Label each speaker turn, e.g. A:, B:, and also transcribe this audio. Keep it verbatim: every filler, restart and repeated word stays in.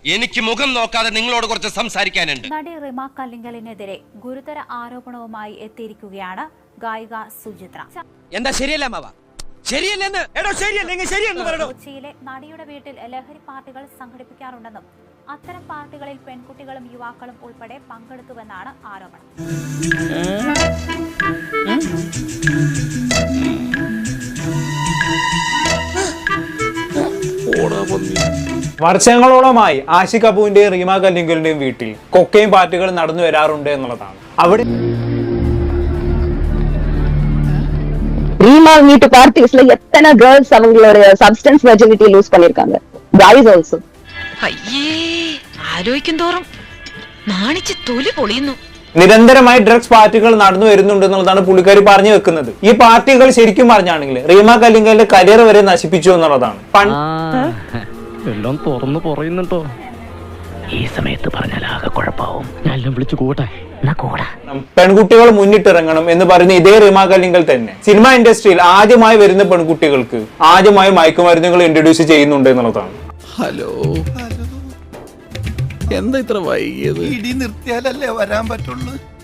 A: എനിക്ക് മുഖം നോക്കാതെ നിങ്ങളോട് കുറച്ച് സംസാരിക്കാനുണ്ട്.
B: നടി റിമ കല്ലിങ്കലിനെതിരെ ഗുരുതര ആരോപണവുമായി എത്തിയിരിക്കുകയാണ് ഗായിക സുചിത്ര.
C: എന്താ ശരിയല്ല മാവ? ശരിയല്ലെന്ന് എടോ ശരിയല്ലെങ്കിൽ ശരിയെന്ന് പറയണോ?
B: കൊച്ചിയിലെ നടിയുടെ വീട്ടിൽ ലഹരി പാർട്ടികൾ സംഘടിപ്പിക്കാറുണ്ടെന്നും അത്തരം പാർട്ടികളിൽ പെൺകുട്ടികളും യുവാക്കളും ഉൾപ്പെടെ പങ്കെടുത്തുവെന്നാണ് ആരോപണം.
D: വർഷങ്ങളോളമായി ആഷിഖ് കപൂറിന്റെയും റീമ കല്ലിങ്കലിന്റെയും വീട്ടിൽ കൊക്കൈൻ പാർട്ടികൾ നടന്നു വരാറുണ്ട് എന്നുള്ളതാണ്. അവിടെ
E: ரீமா வீட்டு பார்ட்டிஸ்ல எத்தனை கேர்ள்ஸ் அவங்களுடைய சப்ஸ்டன்ஸ் வெர்ஜினிட்டி லூஸ் பண்ணிருக்காங்க. guys also.
F: അയ്യേ ആലോചിക്കും തോറും നാണിച്ച് തൊലി പൊളിയുന്നു.
D: നിരന്തരമായി ഡ്രഗ്സ് പാർട്ടികൾ നടന്നു വരുന്നുണ്ട് എന്നുള്ളതാണ് പുള്ളിക്കാരി പറഞ്ഞു വെക്കുന്നത്. ഈ പാർട്ടികൾ ശരിക്കും പറഞ്ഞാണെങ്കിൽ റീമ കല്ലിങ്കലിന്റെ കരിയർ വരെ നശിപ്പിച്ചു എന്നുള്ളതാണ്.
G: എല്ലാം തുറന്നു പറയുന്നുണ്ടോ? ഈ സമയത്ത് പറഞ്ഞാൽ ആകെ കുഴപ്പാവും. ഞാൻ വിളിച്ചു കൂട്ടെ.
D: പെൺകുട്ടികൾ മുന്നിട്ടിറങ്ങണം എന്ന് പറയുന്ന ഇതേ റീമ കല്ലിങ്കൽ തന്നെ സിനിമ ഇൻഡസ്ട്രിയിൽ ആദ്യമായി വരുന്ന പെൺകുട്ടികൾക്ക് ആദ്യമായി മയക്കുമരുന്നുകൾ ഇൻട്രൊഡ്യൂസ് ചെയ്യുന്നുണ്ട് എന്നുള്ളതാണ്.
H: ഹലോ എന്താ ഇത്ര വൈകിയത്? ഇടി നിർത്തിയാലല്ലേ വരാൻ പറ്റുള്ളൂ.